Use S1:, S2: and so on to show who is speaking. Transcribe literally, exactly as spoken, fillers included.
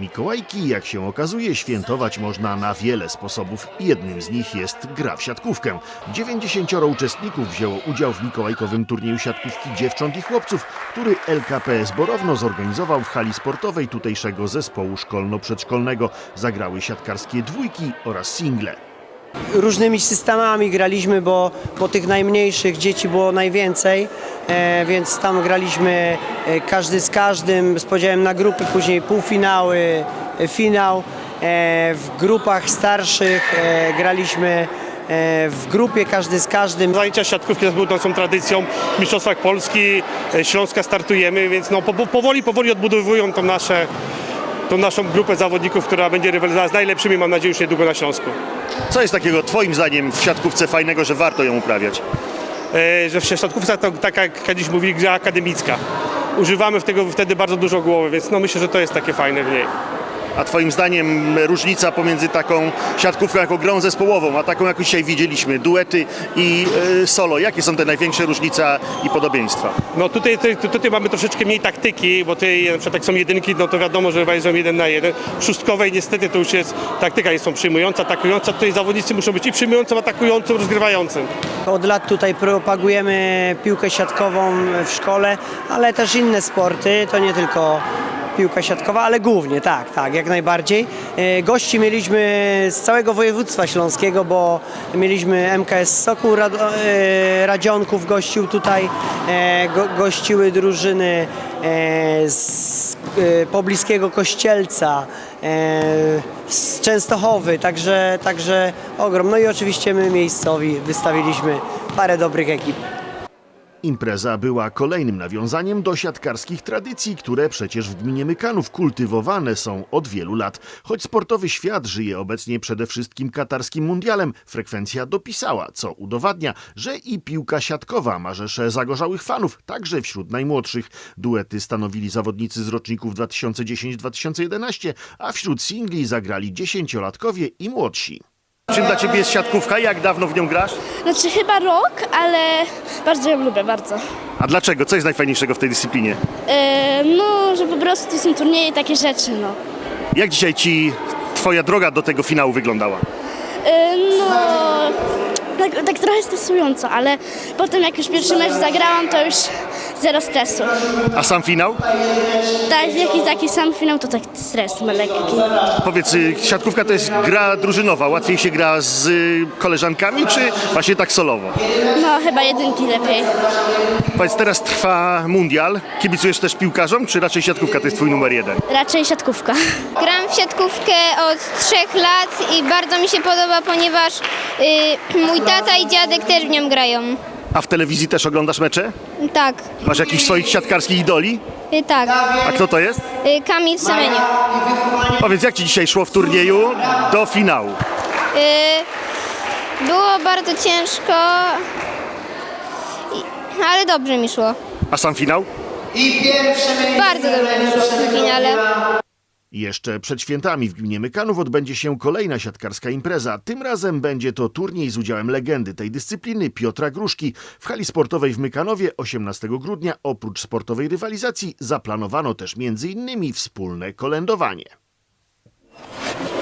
S1: Mikołajki, jak się okazuje, świętować można na wiele sposobów. Jednym z nich jest gra w siatkówkę. dziewięćdziesięcioro uczestników wzięło udział w mikołajkowym turnieju siatkówki dziewcząt i chłopców, który L K P S Borowno zorganizował w hali sportowej tutejszego zespołu szkolno-przedszkolnego. Zagrały siatkarskie dwójki oraz single.
S2: Różnymi systemami graliśmy, bo, bo tych najmniejszych dzieci było najwięcej, e, więc tam graliśmy e, każdy z każdym z podziałem na grupy, później półfinały, e, finał. E, w grupach starszych e, graliśmy e, w grupie każdy z każdym.
S3: Zajęcia siatkówki są tradycją. W Mistrzostwach Polski, e, Śląska startujemy, więc no, po, powoli, powoli odbudowują to nasze, tą naszą grupę zawodników, która będzie rywalizowała z najlepszymi, mam nadzieję, już niedługo na Śląsku.
S1: Co jest takiego twoim zdaniem w siatkówce fajnego, że warto ją uprawiać?
S3: E, że w siatkówce to tak jak kiedyś mówili, gra akademicka. Używamy tego wtedy bardzo dużo głowy, więc no myślę, że to jest takie fajne w niej.
S1: A twoim zdaniem różnica pomiędzy taką siatkówką jako grą zespołową, a taką jak dzisiaj widzieliśmy, duety i y, solo, jakie są te największe różnice i podobieństwa?
S3: No tutaj, tutaj, tutaj mamy troszeczkę mniej taktyki, bo tutaj na przykład jak są jedynki, no to wiadomo, że rywalizują jeden na jeden. W szóstkowej niestety to już jest, taktyka jest są przyjmująca, atakująca, tutaj zawodnicy muszą być i przyjmującym, atakującym, rozgrywającym.
S2: Od lat tutaj propagujemy piłkę siatkową w szkole, ale też inne sporty, to nie tylko piłka siatkowa, ale głównie, tak, tak, jak najbardziej. E, Gości mieliśmy z całego województwa śląskiego, bo mieliśmy M K S Sokół Rad e, Radzionków gościł tutaj, e, go, gościły drużyny e, z e, pobliskiego Kościelca, e, z Częstochowy, także, także ogrom. No i oczywiście my miejscowi wystawiliśmy parę dobrych ekip.
S1: Impreza była kolejnym nawiązaniem do siatkarskich tradycji, które przecież w gminie Mykanów kultywowane są od wielu lat. Choć sportowy świat żyje obecnie przede wszystkim katarskim mundialem, frekwencja dopisała, co udowadnia, że i piłka siatkowa ma rzesze zagorzałych fanów, także wśród najmłodszych. Duety stanowili zawodnicy z roczników dwa tysiące dziesiąty do dwa tysiące jedenastego, a wśród singli zagrali dziesięciolatkowie i młodsi. Czym dla ciebie jest siatkówka? Jak dawno w nią grasz?
S4: Znaczy chyba rok, ale bardzo ją lubię, bardzo.
S1: A dlaczego? Co jest najfajniejszego w tej dyscyplinie?
S4: E, no, że po prostu są turnieje i takie rzeczy, no.
S1: Jak dzisiaj ci twoja droga do tego finału wyglądała?
S4: E, no, tak, tak trochę stresująco, ale potem jak już pierwszy mecz zagrałam, to już zero stresu.
S1: A sam finał?
S4: Tak, jakiś taki sam finał, to tak stres ma lekki.
S1: Powiedz, y, siatkówka to jest gra drużynowa. Łatwiej się gra z y, koleżankami, czy właśnie tak solowo?
S4: No, chyba jedynki lepiej.
S1: Powiedz, teraz trwa mundial. Kibicujesz też piłkarzom, czy raczej siatkówka to jest twój numer jeden?
S4: Raczej siatkówka.
S5: Gram w siatkówkę od trzech lat i bardzo mi się podoba, ponieważ y, mój tata i dziadek też w nią grają.
S1: A w telewizji też oglądasz mecze?
S5: Tak,
S1: Masz jakichś swoich siatkarskich idoli?
S5: y, tak.
S1: A kto to jest?
S5: Y, Kamil Semeniuk.
S1: Powiedz, jak ci dzisiaj szło w turnieju do finału?
S5: Y, było bardzo ciężko, i, ale dobrze mi szło.
S1: A sam finał?
S5: Bardzo dobrze mi szło w tym finale.
S1: Jeszcze przed świętami w gminie Mykanów odbędzie się kolejna siatkarska impreza. Tym razem będzie to turniej z udziałem legendy tej dyscypliny Piotra Gruszki. W hali sportowej w Mykanowie osiemnastego grudnia oprócz sportowej rywalizacji zaplanowano też między innymi wspólne kolędowanie.